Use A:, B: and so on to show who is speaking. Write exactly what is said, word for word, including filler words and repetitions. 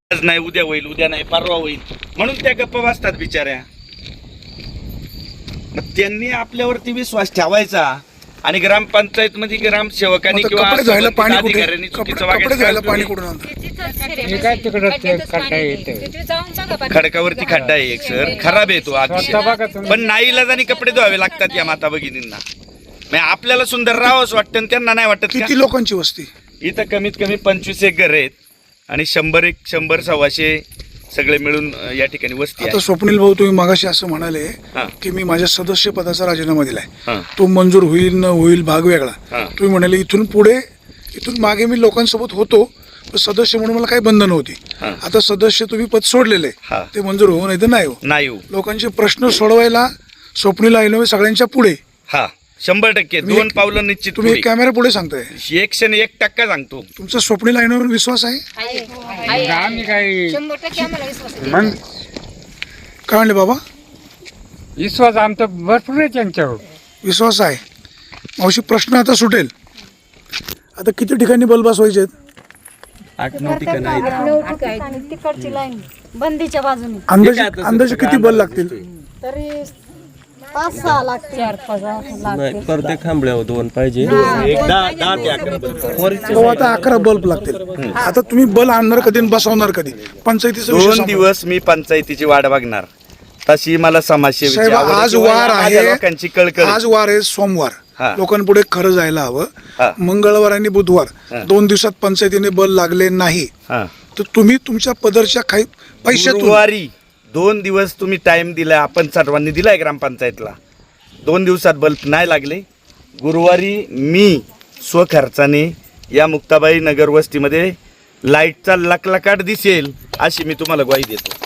A: आज नाही उद्या होईल, उद्या नाही परवा होईल म्हणून त्या गप्पा बसतात बिचाऱ्या. मग त्यांनी आपल्यावरती विश्वास ठेवायचा आणि ग्रामपंचायत मध्ये ग्रामसेवकांनी
B: आता
A: किंवा
B: कपडे धुवायला पाणी कुठे?
A: अधिकाऱ्यांनी
B: कपडे
A: चुकीचं
B: कपडे धुवायला
A: वागायचं
B: पाणी
A: नाही.
B: कुठून आणतात?
C: हे काय तिकडं ते खड्डा येते.
A: खडकावरती खड्डा आहे एक सर, खराब आहे तो अतिशय. पण नाईलाजाने कपडे धुवावे लागतात या माता भगिनींना. म्हणजे आपल्याला सुंदर राहावंच वाटतं आणि त्यांना नाही वाटत का?
B: किती लोकांची वस्ती?
A: इथं कमीत कमी पंचवीस एक घर आहेत आणि शंभर एक शंभर सव्वाशे सगळे मिळून अं, या ठिकाणी वस्ती
B: आता
A: आहे.
B: स्वप्नील भाऊ, तुम्ही मागाशी असं म्हणाले
A: हा.
B: की मी माझ्या सदस्य पदाचा राजीनामा दिलाय,
A: हा.
B: तो मंजूर होईल न होईल भाग वेगळा.
A: हा.
B: तुम्ही म्हणाले इथून पुढे इथून मागे मी लोकांसोबत होतो पण सदस्य म्हणून मला काही बंधन होती.
A: हा.
B: आता सदस्य तुम्ही पद सोडलेले,
A: हा.
B: ते मंजूर हो नाही तर नाही हो.
A: नाही हो.
B: लोकांचे प्रश्न सोडवायला स्वप्नील आईनवे सगळ्यांच्या पुढे.
A: हा शंभर टक्के
B: तुम्ही
A: दोन
B: एक-
A: पावलं निश्चित
B: तुम्ही
A: पुढे.
B: कॅमेरा पुढे सांगताय.
A: एकशे आणि एक टक्का सांगतो.
B: तुमचा स्वप्नील आईनवर विश्वास आहे?
C: आम्ही काही
D: शंभर टक्के आम्हाला विश्वास आहे.
C: मग
B: काय म्हणले बाबा?
C: विश्वास आमचा भरपूर आहे त्यांच्यावर.
B: विश्वास आहे. मावशी, प्रश्न आता सुटेल. आता किती ठिकाणी बल्ब बसवायचे आहेत?
D: आठ नऊ ठिकाणी तिकडची लाईन बंदीच्या बाजूने
B: अंदाजे अंदाजे किती बल्ब लागतील?
D: तरी पाच सहा लागते, चार पाच लागते.
E: प्रत्येक खांबळ्यावर दोन पाहिजे.
B: तो आता अकरा बल्ब लागतील. आता तुम्ही बल्ब आणणार कधी आणि बसवणार कधी? पंचायतीचा विषय
A: दोन
B: संपला.
A: दिवस मी पंचायतीची वाट बघणार. तशी मला समाजसेवेची
B: साहेब,
A: आवड आहे
B: आज
A: किंवा
B: वार
A: माझ्या
B: आहे.
A: लोकांची कळकळ आहे.
B: आज वार आहे सोमवार.
A: हा.
B: लोकांपुढे खरं जायला हवं.
A: हा.
B: मंगळवार आणि बुधवार
A: हा.
B: दोन दिवसात पंचायतीने बल्ब लागले नाही
A: हा.
B: तर तुम्ही तुमच्या पदरच्या काही पैशातून
A: गुरुवारी दोन दिवस तुम्ही टाइम दिलाय, आपण सर्वांनी दिलाय ग्रामपंचायतला. दोन दिवसात बल्ब नाही लागले. गुरुवारी मी स्वखर्चाने या मुक्ताबाई नगर वस्तीमध्ये लाईटचा लकलकाट दिसेल अशी मी तुम्हाला ग्वाही देतो.